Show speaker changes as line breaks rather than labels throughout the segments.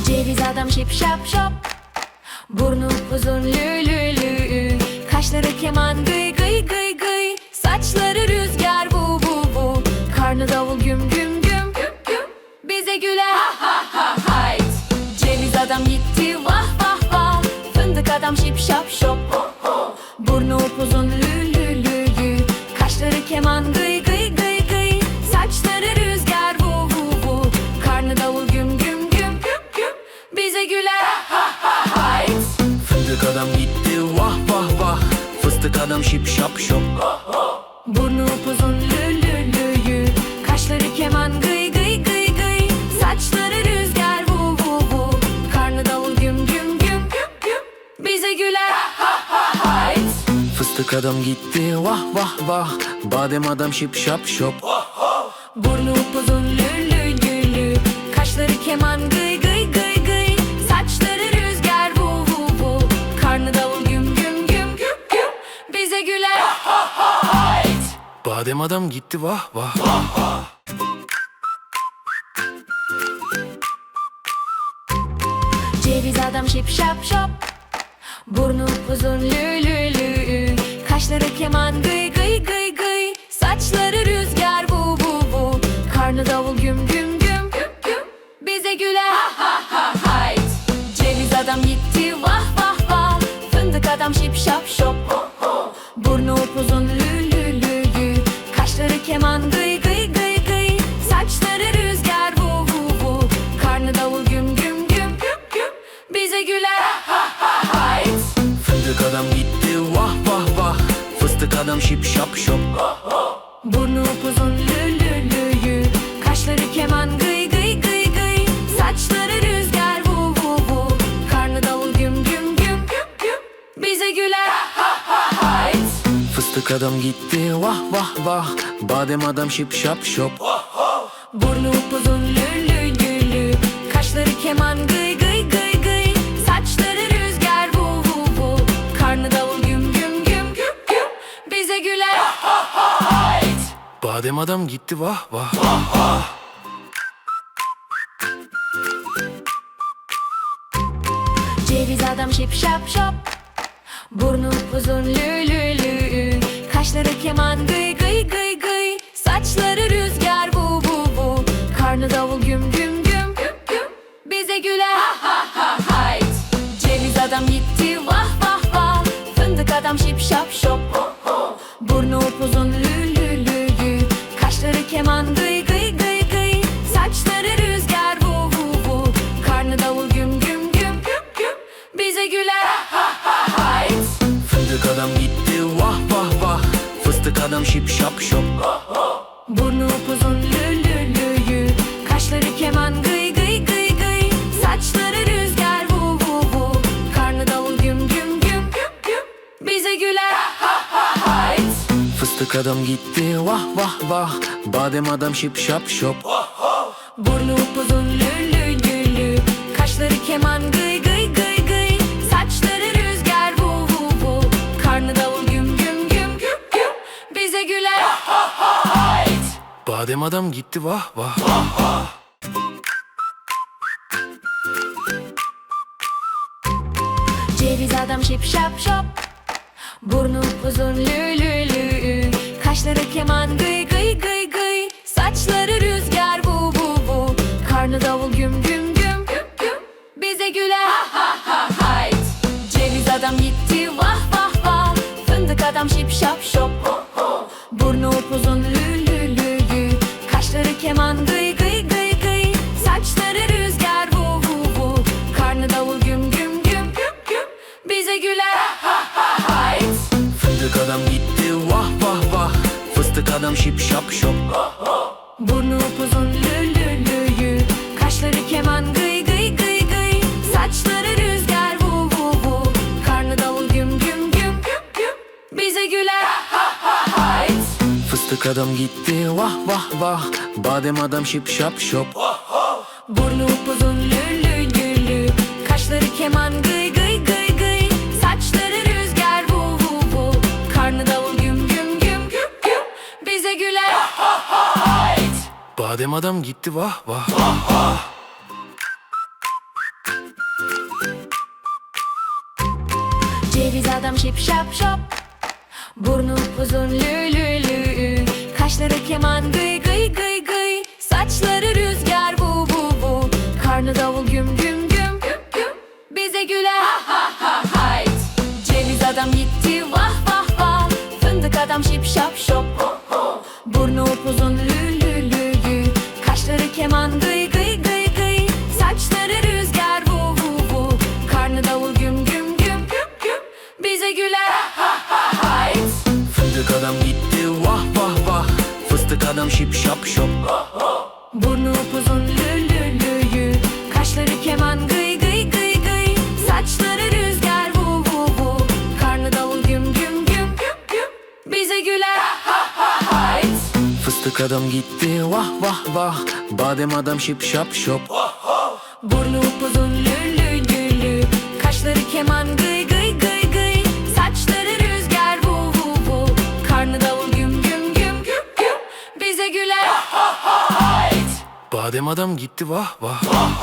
Ceviz adam şip şap şop, burnu uzun lü lü lü, kaşları keman gıy gıy gıy gıy, saçları rüzgar bu bu bu, karnı davul güm güm güm güm güm, bize güler ha ha ha hayt. Ceviz adam gitti vah vah vah, fındık adam şip şap şop, burnu upuzun lü lü lü lü, kaşları keman gıy gıy gıy gıy, saçları rüzgar bu bu bu, karnı davul güm güm güm güm güm, bize güler ha ha ha hayt.
Fındık adam gitti vah vah vah, fıstık adam şip şap şop,
burnu upuzun lü lü lü lü, kaşları keman gıy gıy gıy gıy, saçları rüzgar bu bu bu, karnı davul güm güm güm güm güm, bize güler ha ha hayt.
fıstık adam gitti vah vah vah, badem adam şip şap şop,
Burnu upuzun lü lü lü lü, kaşları keman gıy gıy gıy gıy, saçları rüzgar bu bu bu, karnı davul güm güm güm güm güm, bize güler ha ha hayt.
badem adam gitti vah vah.
Ceviz adam şip şap şop, burnu uzun lü lü lü, kaşları keman gıy gıy gıy gıy, saçları rüzgar bu bu bu, karnı davul güm güm güm güm güm, bize güler ha ha ha hayt. Ceviz adam gitti vah vah vah, fındık adam şip şap şop, burnu upuzun lü lü lü lü, kaşları keman gıy gıy gıy gıy, saçları rüzgar bu bu bu, karnı davul güm güm güm güm güm, bize güler ha ha hayt.
Fındık adam gitti vah vah vah, fıstık adam şip şap şop,
Burnu upuzun lü lü lü lü, kaşları keman gıy gıy gıy gıy, saçları rüzgar bu bu bu, karnı davul güm güm güm güm güm, bize güler ha ha hayt.
fıstık adam gitti vah vah vah, badem adam şip şap şop,
Burnu upuzun lü lü lü lü, kaşları keman gıy gıy gıy gıy, saçları rüzgar bu bu bu, karnı davul güm güm güm güm güm, bize güler ha ha hayt.
badem adam gitti vah vah.
Ceviz adam şip şap şop, burnu uzun lü lü lü, kaşları keman gıy gıy gıy gıy, saçları rüzgar bu bu bu, karnı davul güm güm güm güm güm, bize güler ha ha ha hayt. Ceviz adam gitti vah vah vah, fındık adam şip şap şop, burnu upuzun lü lü lü lü, kaşları keman gıy gıy gıy gıy, saçları rüzgar bu bu bu, karnı davul güm güm güm güm güm, bize güler ha ha hayt.
Fındık adam gitti vah vah vah, fıstık adam şip şap şop,
Burnu upuzun lü lü lü lü, kaşları keman gıy gıy gıy gıy, saçları rüzgar bu bu bu, karnı davul güm güm güm güm güm, bize güler ha ha hayt.
fıstık adam gitti vah vah vah, badem adam şip şap şop,
Burnu upuzun lü lü lü lü, kaşları keman gıy gıy gıy gıy, saçları rüzgar bu bu bu, karnı davul güm güm güm güm güm, bize güler ha ha hayt.
badem adam gitti vah vah.
Ceviz adam şip şap şop, burnu uzun lü lü lü, kaşları keman gıy gıy gıy gıy, saçları rüzgar bu bu bu, karnı davul güm güm güm güm güm, bize güler ha ha ha hayt. Ceviz adam gitti vah vah vah, fındık adam şip şap şop, burnu upuzun lü lü lü lü, kaşları keman gıy gıy gıy gıy, saçları rüzgar bu bu bu, karnı davul güm güm güm güm güm, bize güler ha ha hayt.
Fındık adam gitti vah vah vah, fıstık adam şip şap şop,
Burnu upuzun lü lü lü lü, kaşları keman gıy gıy gıy gıy, saçları rüzgar bu bu bu, karnı davul güm güm güm güm güm, bize güler ha ha hayt.
fıstık adam gitti vah vah vah, badem adam şip şap şop,
Burnu upuzun lü lü lü lü, kaşları keman gıy gıy gıy gıy, saçları rüzgar bu bu bu, karnı davul güm güm güm güm güm, bize güler ha ha hayt.
badem adam gitti vah vah.
Ceviz adam şip şap şop, burnu uzun lü lü lü, kaşları keman gıy gıy gıy gıy, saçları rüzgar bu bu bu, karnı davul güm güm güm güm güm, bize güler ha ha ha hayt. Ceviz adam gitti vah vah vah, fındık adam şip şap şop, burnu upuzun lü lü lü lü, kaşları keman gıy gıy gıy gıy, saçları rüzgar bu bu bu, karnı davul güm güm güm güm güm, bize güler ha ha ha hayt.
Fındık adam gitti vah vah vah, fıstık adam şip şap şop,
Burnu upuzun lü lü lü lü, kaşları keman gıy gıy gıy gıy, saçları rüzgar bu bu bu, karnı davul güm güm güm güm güm, bize güler ha ha ha hayt.
fıstık adam gitti vah vah vah, badem adam şip şap şop,
Burnu upuzun lü lü lü lü, kaşları keman gıy gıy gıy gıy, saçları rüzgar bu bu bu, karnı davul güm güm güm güm güm, bize güler ha ha ha hayt.
badem adam gitti vah vah.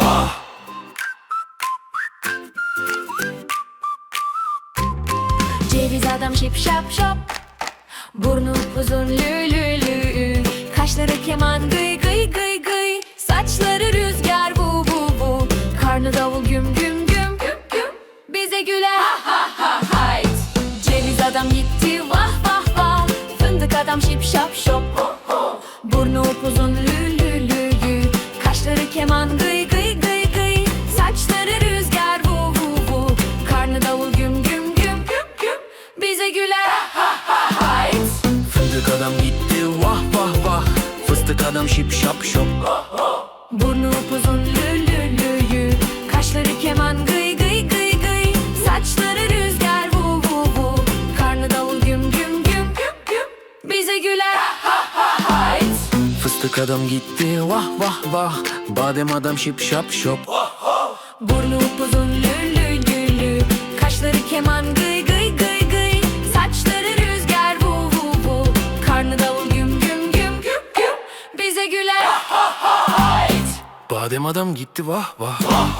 Ceviz adam şip şap şop, burnu uzun lü lü lü, kaşları keman gıy gıy gıy gıy, saçları rüzgar bu bu bu, karnı davul güm güm güm güm güm, bize güler ha ha ha hayt. Ceviz adam gitti vah vah vah, fındık adam şip şap şop, burnu upuzun lü lü lü lü, kaşları keman gıy gıy gıy gıy, saçları rüzgar bu bu bu, karnı davul güm güm güm güm güm, bize güler ha ha ha hayt.
Fındık adam gitti vah vah vah, fıstık adam şip şap şop,
Burnu upuzun lü lü lü lü, kaşları keman gıy gıy gıy gıy, saçları rüzgar bu bu bu, karnı davul güm güm güm güm güm, bize güler ha ha ha hayt.
fıstık adam gitti vah vah vah, badem adam şip şap şop,
Burnu upuzun lü lü lü lü, kaşları keman gıy gıy gıy gıy, saçları rüzgar bu bu bu, karnı davul güm güm güm güm güm, bize güler ha ha ha hayt.
badem adam gitti vah vah.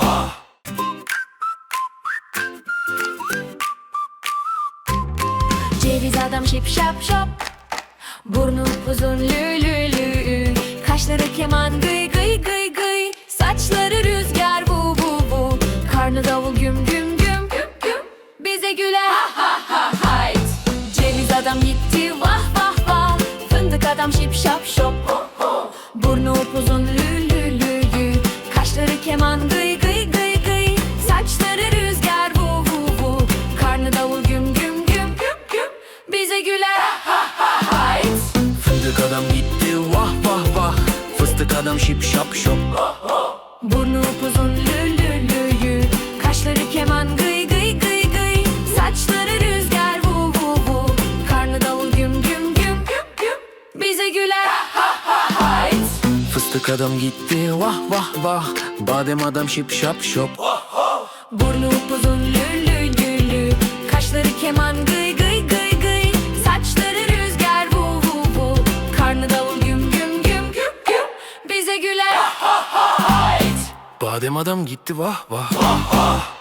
Ceviz adam şip şap şop, burnu uzun lü lü lü, kaşları keman gıy gıy gıy gıy, saçları rüzgar bu bu bu, karnı davul güm güm güm güm güm, bize güler ha ha ha hayt. Ceviz adam gitti vah vah vah, fındık adam şip şap şop, burnu upuzun lü lü lü lü, kaşları keman gıy gıy gıy gıy, saçları rüzgar bu bu bu, karnı davul güm güm güm güm güm, bize güler ha ha ha hayt.
Fındık adam gitti vah vah vah, fıstık adam şip şap şop,
Burnu upuzun lü lü lü lü, kaşları keman gıy gıy gıy gıy, saçları rüzgar bu bu bu, karnı davul güm güm güm güm güm, bize güler ha ha ha hayt.
fıstık adam gitti vah vah vah, badem adam şip şap şop,
Burnu upuzun lü lü lü lü, kaşları keman gıy gıy gıy gıy, saçları rüzgar bu bu bu, karnı davul güm güm güm güm güm, bize güler ha ha ha hayt.
badem adam gitti vah vah.